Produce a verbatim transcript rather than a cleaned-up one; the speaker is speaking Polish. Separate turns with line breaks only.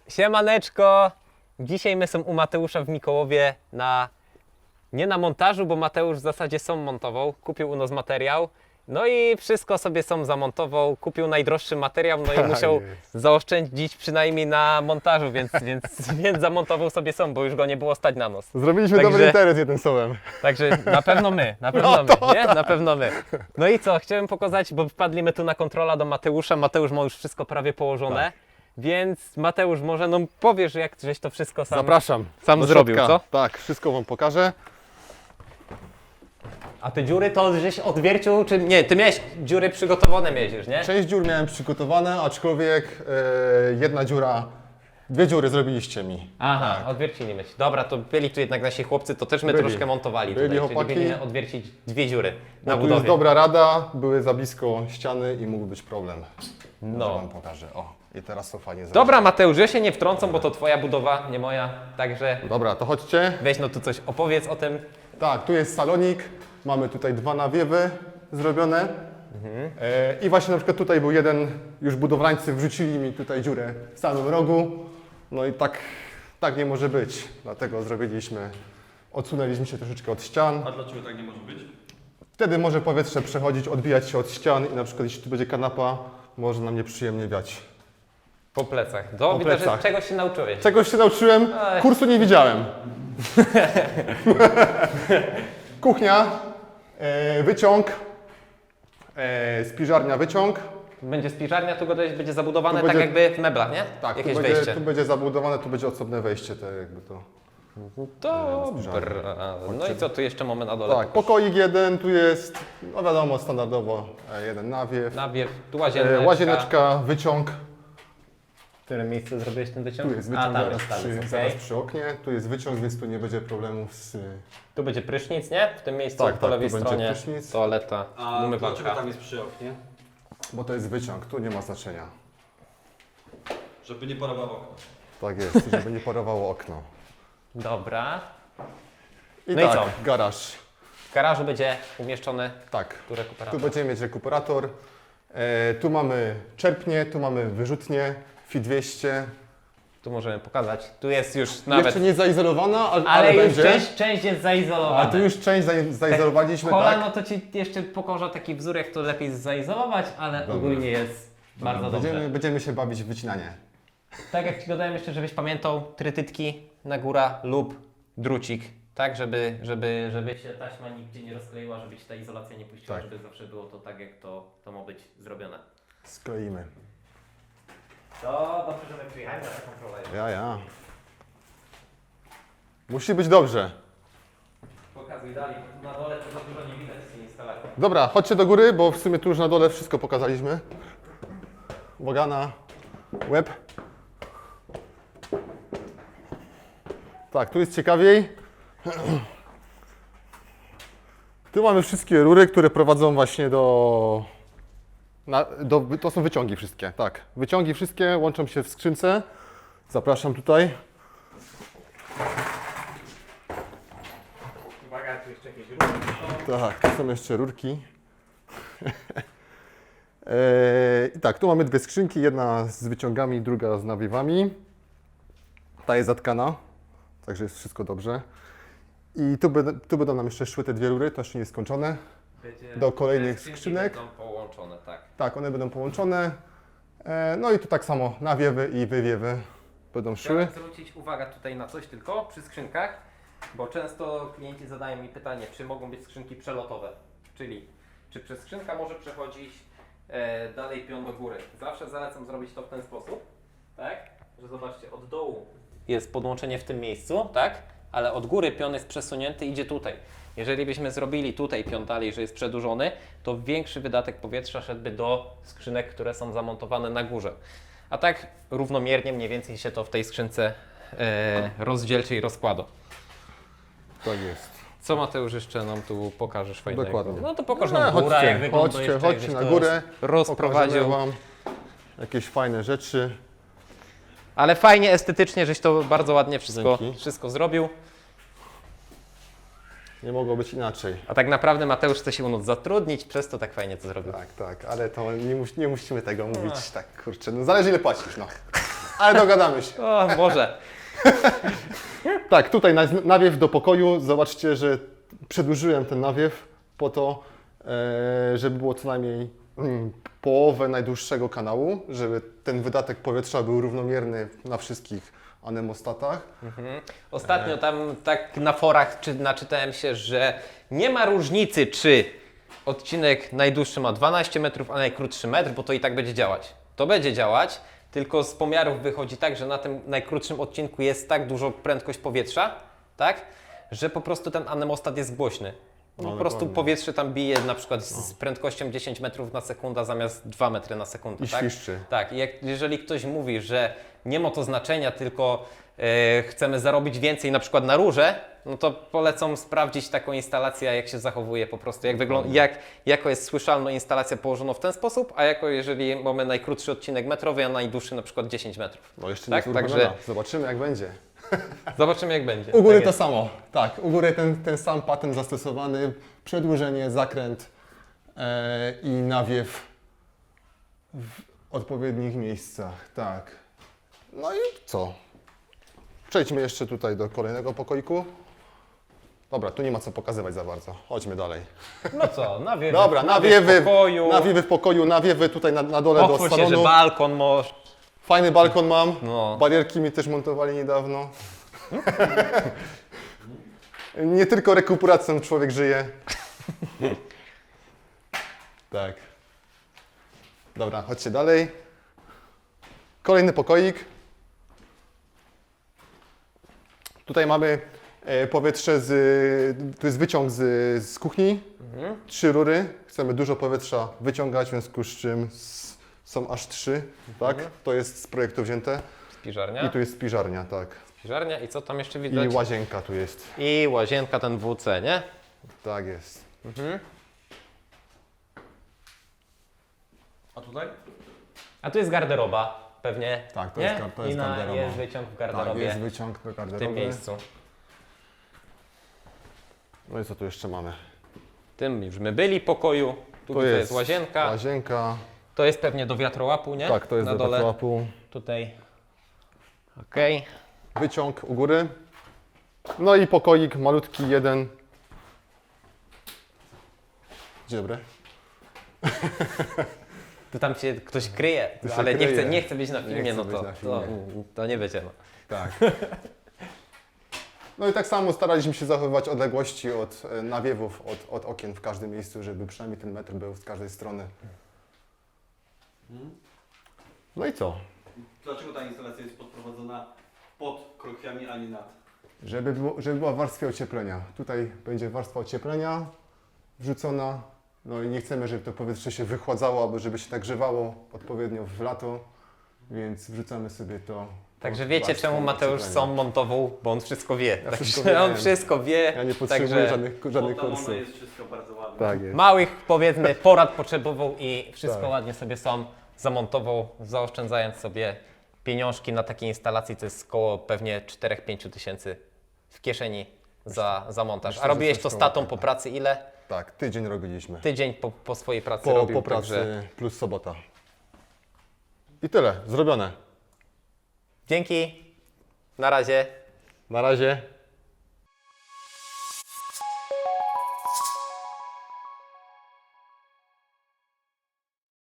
Siemaneczko! Dzisiaj my są u Mateusza w Mikołowie na... nie na montażu, bo Mateusz w zasadzie sam montował, kupił u nas materiał. No i wszystko sobie sam zamontował, kupił najdroższy materiał, no i musiał
jest.
zaoszczędzić przynajmniej na montażu, więc, więc, więc zamontował sobie sam, bo już go nie było stać na nos.
Zrobiliśmy
Także-
dobry interes jednym słowem.
Także na pewno my, na pewno
No
my,
to
nie? Na pewno my. No i co, chciałem pokazać, bo wpadliśmy tu na kontrola do Mateusza, Mateusz ma już wszystko prawie położone,
Tak.
więc Mateusz może, no powiesz jak żeś to wszystko sam...
Zapraszam.
sam
do
zrobił,
środka.
co?
Tak, wszystko wam pokażę.
A te dziury to żeś odwiercił, czy nie? Ty miałeś dziury przygotowane miałeś już, nie?
Część dziur miałem przygotowane, aczkolwiek e, jedna dziura, dwie dziury zrobiliście mi.
Aha, odwiercili mieć. Dobra, to byli tu jednak nasi chłopcy, to też my
Byli.
troszkę montowali
Byli
tutaj,
chłopaki.
czyli byli odwiercić dwie dziury
Bo
na
tu jest
budowie.
dobra rada, były za blisko ściany i mógł być problem. No.
No.
Wam pokażę. O, i teraz to fajnie zrobię.
Dobra Mateusz, ja się nie wtrącam, bo to twoja budowa, nie moja, także
Dobra, to chodźcie.
weź no tu coś opowiedz o tym.
Tak, tu jest salonik, mamy tutaj dwa nawiewy zrobione.
Mhm.
E, I właśnie na przykład tutaj był jeden, już budowlańcy wrzucili mi tutaj dziurę w samym rogu. No i tak, tak nie może być, dlatego zrobiliśmy, odsunęliśmy się troszeczkę od ścian.
A dlaczego tak nie może być?
Wtedy może powietrze przechodzić, odbijać się od ścian i na przykład jeśli tu będzie kanapa, może nam nieprzyjemnie wiać.
Po plecach. To
Po
widzę,
plecach.
że czegoś się nauczyłeś.
Czegoś się nauczyłem,
Ej.
kursu nie widziałem. Kuchnia, e, wyciąg, e, spiżarnia, wyciąg.
Będzie spiżarnia, tu go dojść, będzie zabudowane
Tu
tak
będzie-
jakby w meblach, nie?
Tak, tu
Jakieś
będzie,
wejście.
tu będzie zabudowane, tu będzie osobne wejście, tak jakby to.
Dobra. No i co, tu jeszcze mamy na dole?
Tak, pokoik jeden, tu jest, no wiadomo, standardowo e, jeden nawiew,
Nawiew, tu
e,
łazieneczka.
łazieneczka, wyciąg.
W którym miejscu zrobiłeś ten wyciąg?
Tu jest
A,
wyciąg
tam
zaraz,
jest, tam
przy,
jest,
zaraz
okej.
przy oknie, tu jest wyciąg, więc tu nie będzie problemów z...
Tu będzie prysznic, nie? W tym miejscu
Tak,
po
tak,
lewej
tu będzie
stronie
prysznic.
toaleta,
A dlaczego
umywalka.
tam jest przy oknie?
Bo to jest wyciąg, tu nie ma znaczenia.
Żeby nie parowało okno.
Tak jest, żeby nie parowało okno.
Dobra.
I
No i
tak,
co?
garaż.
W garażu będzie umieszczony
Tak,
tu rekuperator.
tu będziemy mieć rekuperator. E, tu mamy czerpnie, tu mamy wyrzutnie, F I dwieście.
Tu możemy pokazać. Tu jest już nawet...
Jeszcze nie zaizolowana, ale,
ale
ale
już
będzie.
część, część jest zaizolowana.
A tu już część zai- zaizolowaliśmy,
Kolano
tak?
to Ci jeszcze pokażę taki wzór, jak to lepiej zaizolować, ale
Dobra.
ogólnie jest bardzo dobrze.
Będziemy, będziemy się bawić w wycinanie.
Tak jak Ci dodałem jeszcze, żebyś pamiętał, trytytki na góra lub drucik, tak, żeby, żeby, żeby się taśma nigdzie nie rozkleiła, żeby się ta izolacja nie puściła,
Tak.
żeby zawsze było to tak, jak to, to ma być zrobione.
Skleimy.
To dobrze, że my przyjechali na taką prowadzę.
Ja, ja. Musi być dobrze.
Pokazuj dalej, bo tu na dole to za dużo nie widać z tej instalacji.
Dobra, chodźcie do góry, bo w sumie tu już na dole wszystko pokazaliśmy. Uwaga na łeb. Tak, tu jest ciekawiej. Tu mamy wszystkie rury, które prowadzą właśnie do, na, do... To są wyciągi wszystkie, tak. Wyciągi wszystkie łączą się w skrzynce. Zapraszam tutaj.
Uwaga, tu jeszcze jakieś ruchy są.
Tak, tu są jeszcze rurki. Eee, I tak, tu mamy dwie skrzynki, jedna z wyciągami, druga z nawiewami. Ta jest zatkana, także jest wszystko dobrze. I tu, będą- tu będą nam jeszcze szły te dwie rury, to jeszcze nie jest skończone.
Będzie-
Do kolejnych
te skrzynki
skrzynek.
Będą połączone, tak.
Tak, one będą połączone. Eee, no i tu tak samo nawiewy i wywiewy będą szły.
Chciałem zwrócić uwagę tutaj na coś tylko przy skrzynkach, bo często klienci zadają mi pytanie, czy mogą być skrzynki przelotowe, czyli czy przez skrzynka może przechodzić e, dalej pion do góry. Zawsze zalecam zrobić to w ten sposób, tak, że zobaczcie, od dołu jest podłączenie w tym miejscu, tak, ale od góry pion jest przesunięty, idzie tutaj. Jeżeli byśmy zrobili tutaj pion dalej, że jest przedłużony, to większy wydatek powietrza szedłby do skrzynek, które są zamontowane na górze. A tak równomiernie mniej więcej się to w tej skrzynce e, rozdzielczy i rozkłada.
Tak jest.
Co Mateusz jeszcze nam tu pokażesz fajnego?
Dokładnie.
No to pokaż
No,
nam górę,
chodźcie,
jak wygląda
chodźcie,
jeszcze,
chodźcie
jakbyś
na
to
górę,
rozprowadził.
Pokażemy Wam jakieś fajne rzeczy.
Ale fajnie, estetycznie, żeś to bardzo ładnie wszystko,
Dzięki.
wszystko zrobił.
Nie mogło być inaczej.
A tak naprawdę Mateusz chce się u nas zatrudnić, przez to tak fajnie to zrobił.
Tak, tak, ale to nie, mus, nie musimy tego mówić tak, kurczę, no zależy ile płacisz, no. Ale dogadamy się.
O, może.
Tak, tutaj na- nawiew do pokoju. Zobaczcie, że przedłużyłem ten nawiew po to, e, żeby było co najmniej mm, połowę najdłuższego kanału, żeby ten wydatek powietrza był równomierny na wszystkich anemostatach.
Mhm. Ostatnio tam tak na forach czy, naczytałem się, że nie ma różnicy, czy odcinek najdłuższy ma dwanaście metrów, a najkrótszy metr, bo to i tak będzie działać. To będzie działać, tylko z pomiarów wychodzi tak, że na tym najkrótszym odcinku jest tak dużo prędkość powietrza, tak, że po prostu ten anemostat jest głośny.
No,
po prostu
dokładnie.
powietrze tam bije na przykład z, z prędkością dziesięć metrów na sekundę zamiast dwa metry na sekundę.
I
tak?
świszczy.
Tak, i jak, jeżeli ktoś mówi, że nie ma to znaczenia, tylko e, chcemy zarobić więcej na przykład na rurze, no to polecam sprawdzić taką instalację, jak się zachowuje po prostu, jak wygląda, jak, jako jest słyszalna instalacja położona w ten sposób, a jako jeżeli mamy najkrótszy odcinek metrowy, a najdłuższy na przykład dziesięć metrów.
No jeszcze
Tak,
nie
także-
także... Zobaczymy jak będzie.
Zobaczymy jak będzie.
U góry
Tak
to
jest.
samo. Tak, u góry ten, ten sam patent zastosowany. Przedłużenie, zakręt e, i nawiew w odpowiednich miejscach. Tak. No i co? Przejdźmy jeszcze tutaj do kolejnego pokoiku. Dobra, tu nie ma co pokazywać za bardzo. Chodźmy dalej.
No co, nawiewy,
Dobra,
nawiew
nawiewy,
w pokoju,
nawiewy w pokoju, nawiewy tutaj na, na dole do
otwórz się, że
salonu.
balkon może.
Fajny balkon mam.
No.
Barierki mi też montowali niedawno. Nie tylko rekuperacją człowiek żyje. Tak. Dobra, chodźcie dalej. Kolejny pokoik. Tutaj mamy e, powietrze z... Tu jest wyciąg z, z kuchni.
Mhm.
Trzy rury. Chcemy dużo powietrza wyciągać, w związku z czym s- są aż trzy. Tak? To jest z projektu wzięte.
Spiżarnia.
I tu jest spiżarnia, tak.
Spiżarnia i co tam jeszcze
I
widać?
łazienka tu jest.
I łazienka, ten W C, nie?
Tak jest.
Mhm.
A tutaj?
A tu jest garderoba, pewnie.
Tak, to
nie?
jest gar- to jest
I na,
garderoba.
jest wyciąg w
Tak,
garderobie
jest wyciąg do
w
garderoby.
tym miejscu.
No i co tu jeszcze mamy?
W tym już my byli pokoju. Tu
To
jest,
jest
jest łazienka.
Łazienka.
To jest pewnie do wiatrołapu, nie?
Tak, to jest
na
do
dole.
wiatrołapu.
Tutaj. Okej.
Wyciąg u góry. No i pokoik malutki jeden. Dzień dobry.
Tu tam się ktoś kryje,
Tu się
ale nie
kryje.
chce, nie chce być na
Nie
filmie,
chce
no
być
to,
na
to,
filmie.
to nie będzie. No.
Tak. No i tak samo staraliśmy się zachowywać odległości od e, nawiewów, od, od okien w każdym miejscu, żeby przynajmniej ten metr był z każdej strony. No i co?
Dlaczego ta instalacja jest podprowadzona pod krokwiami, a nie nad?
Żeby, było, żeby była warstwa ocieplenia. Tutaj będzie warstwa ocieplenia wrzucona. No i nie chcemy, żeby to powietrze się wychładzało, albo żeby się nagrzewało odpowiednio w lato, więc wrzucamy sobie to.
Także
pod
wiecie,
warstwą
czemu Mateusz
ocieplenia.
sam montował, bo on wszystko wie.
Ja
Także
wszystko
on
wiem.
wszystko wie.
Ja nie potrzebuję
Także
żadnych, żadnych
Poddamone
kursów.
jest wszystko bardzo ładne.
Tak jest.
małych, powiedzmy, porad potrzebował i wszystko
Tak.
ładnie sobie sam zamontował, zaoszczędzając sobie pieniążki na takiej instalacji, to jest około pewnie cztery do pięciu tysięcy w kieszeni za, za montaż.
myślę,
A
że
robiłeś
coś
to z
koło
tatą
tego.
po pracy ile?
Tak, tydzień robiliśmy.
Tydzień po, po swojej pracy
Po,
robił,
po pracy
także
plus sobota. I tyle, zrobione.
dzięki, na razie.
Na razie.